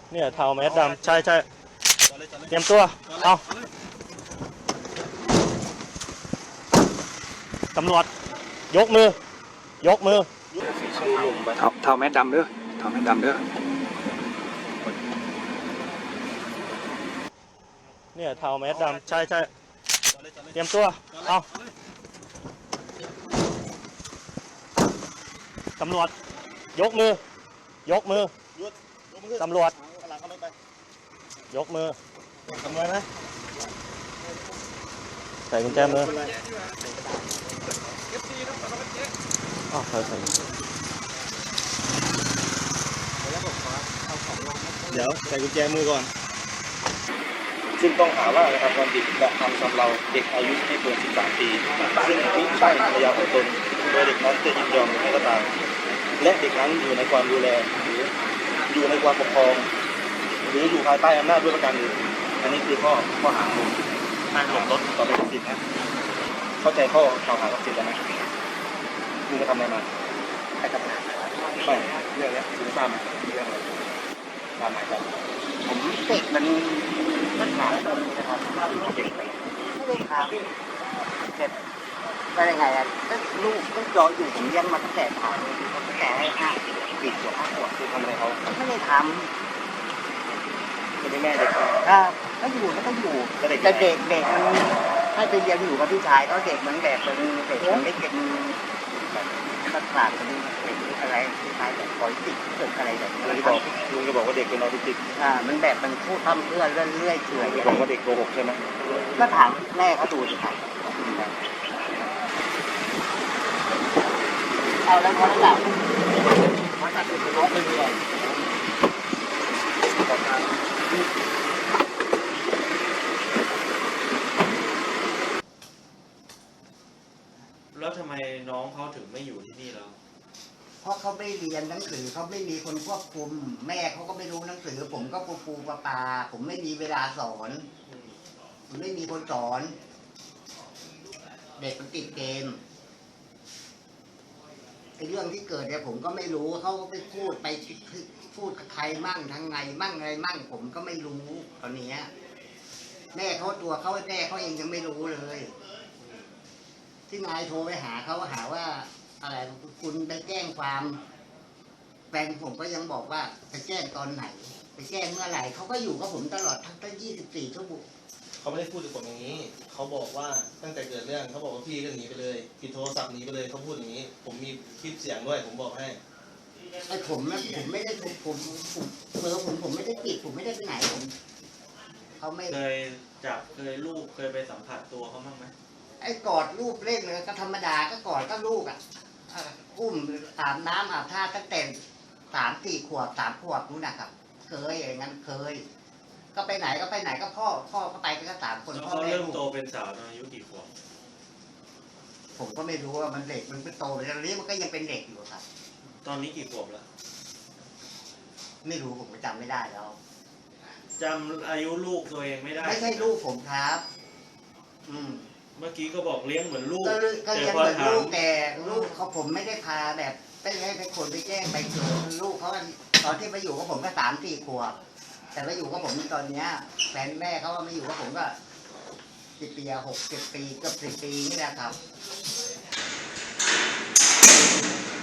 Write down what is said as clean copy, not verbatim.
เนี่ยเทาแมสดำใช่ใช่เตรียมตัวเอาตำรวจยกมือยกมือเทาแมสดำเด้อเทาแมสดำเด้อเนี่ยเทาแมสดำใช่ใช่เตรียมตัวเอาตำรวจยกมือยกมือตำรวจยกมือทำไมไหมใส่กุญแจมืออ๋อใส่เดี๋ยวใส่กุญแจมือก่อนซึ่งต้องหาว่านะครับความผิดกระทำชำเราเด็กอายุไม่เกิน 13 ปีซึ่งมิใช่ภรรยาของตนโดยเด็กนั้นจะยินยอมหรือไม่ก็ตามและเด็กนั้นอยู่ในความดูแลหรืออยู่ในความปกครองหรืออยู่ภายใต้อำนาจด้วยประการอื่นอันนี้คือข้อหาของการหลบรถต่อไปสิทธิ์นะเข้าใจข้อกล่าวหากับสิทธิ์แล้วไหมมึงจะทำอะไรมาไปทำงานไม่เรื่องนี้คุณทราบไหมเรื่องอะไรตามหมายจับผมเด็กมันถามตรงนี้นะครับเด็กไม่ได้ถามเด็กไปยังไงอ่ะลูกรออยู่ผมเลี้ยงมาตั้งแต่ถามตั้งแต่5 ปี5 ขวบคือทำอะไรเขาไม่ได้ทำคือแม่เด็กก็อยู่ก็ต้องอยู่แต่เด็กมันให้ไปเรียนอยู่กับพี่ชายก็เด็กมันแบบเป็นเด็กมันไม่เป็นตัดขาดเป็นอะไรพี่ชายแบบปล่อยติดเกิดอะไรแบบนี้ลุงจะบอกว่าเด็กเป็นออทิสติกมันแบบมันพูดทำเรื่อยเรื่อยเฉยบอกว่าเด็กโกหกใช่ไหมก็ถามแม่เขาดูสิครับเอาแล้วเขาหลับเขาตัดเป็นรถเลยแล้วทำไมน้องเขาถึงไม่อยู่ที่นี่แล้วเพราะเขาไม่เรียนหนังสือเขาไม่มีคนควบคุมแม่เขาก็ไม่รู้หนังสือผมก็ปูปลาผมไม่มีเวลาสอนผมไม่มีคนสอนเด็กมันติดเกมไอ้เรื่องที่เกิดเนี่ยผมก็ไม่รู้เขาไปพูดกับใครมั่งทางไงมั่งอะไรมั่งผมก็ไม่รู้ตอนนี้แม่เขาตัวเขาแม่เขาเองยังไม่รู้เลยที่นายโทรไปหาเขาหาว่าอะไรคุณไปแจ้งความแฟนผมก็ยังบอกว่าไปแจ้งตอนไหนไปแจ้งเมื่อไหร่เขาก็อยู่กับผมตลอดทั้ง24 ชั่วโมงเขาไม่ได้พูดกับผมอย่างนี้เขาบอกว่าตั้งแต่เกิดเรื่องเขาบอกว่าพี่ก็หนีไปเลยปิดโทรศัพท์หนีไปเลยเขาพูดอย่างนี้ผมมีคลิปเสียงด้วยผมบอกให้ไอ้ผมนะผมไม่ได้ผมเบอร์ผมไม่ได้ปิดผมไม่ได้ไปไหนผมเขาไม่เคยลูกเคยไปสัมผัสตัวเขาบ้างไหมไอ้กอดลูกเล่นเลยก็ธรรมดาก็กอดก็ลูกอุ้มอาบน้ำอาบท่าตั้งแต่3-4 ขวบ3 ขวบนู้นนะครับเคยอย่างนั้นเคยก็ไปไหนก็พ่อก็ไปกัน3 คนพ่อเริ่มโตเป็นสาวตอนอายุกี่ขวบผมก็ไม่รู้ว่ามันเด็กมันโตไปแล้วนี้มันก็ยังเป็นเด็กอยู่ครับตอนนี้กี่ขวบแล้วไม่รู้ผมจำไม่ได้แล้วจำอายุลูกตัวเองไม่ได้ไม่ใช่ลูกผมครับเมื่อกี้ก็บอกเลี้ยงเหมือนลูกก็เลี้ยงเหมือนลูกแต่ลูกเขาผมไม่ได้พาแบบไปให้คนไปแจ้งไปเจอลูกเขาตอนที่มาอยู่กับผมก็3-4 ขวบแต่มาอยู่กับผมตอนเนี้ยแฟนแม่เขามาอยู่กับผมก็10 ปี60 ปีเกือบ10 ปีนี่แหละครับ